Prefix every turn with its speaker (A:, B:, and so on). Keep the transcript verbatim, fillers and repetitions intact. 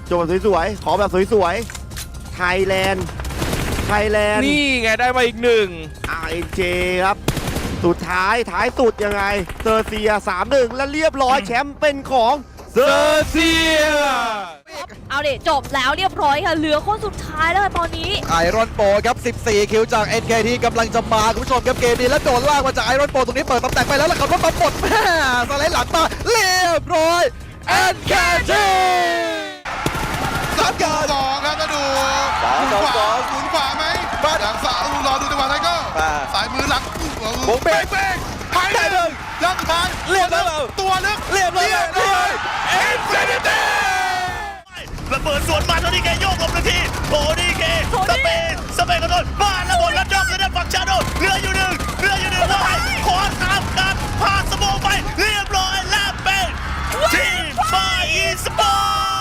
A: จบแบบสวยๆขอแบบสวยๆไทยแลนด์ไทยแลนด์
B: นี่ไงได้มาอีกหนึ่ง
A: อาร์ เอ็น เจ ครับสุดท้ายท้ายสุดยังไงเซอร์เซีย สามหนึ่ง และเรียบร้อยแชมป์เป็นของเซ
B: เซ
A: อ
B: อ
A: ร์
B: ร์เซีย
C: เอาเด็จบแล้วเรียบร้อยค่ะเหลือคนสุดท้ายแล้วค่ะตอนนี้
D: ไอรอนโปครับ สิบสี่ คิวจาก เอ็น เค ที กำลังจะมาคุณผู้ชมครับเกมนี้แล้วโดนลากมาจากไอรอนโปตรงนี้เปิดตำแหน่งไปแล้วแล้วขับรถมาปลดแม่สไลด์หลังมาเรียบร้อย เอ็น เค ที
E: สามการสองครับก็ดูหมุนขวาหมุนขวาไหมหลังสาวรอดูจังหวะไทเกอร์สายมือหลัง
D: โบกเบรก
E: เบรกไปเลยยังทัน
D: เรียบร้อย
E: ตัวลึก
D: เรียบร้อย
B: เอ็นฟินิตี้
F: ระเบิดสวนมาโทนี่เกโยกหลบหนึ่งทีโทนี่เกสเปนสเปนกระโดดบ้านระเบิดแล้วด็อกเลยนะฝั่งชาโดเหลืออยู่หนึ่งเหลืออยู่หนึ่งว่าไงขอตามกันพาสโมไปเรียบร้อยแล้วเป็นทีมไฟอีสปอร์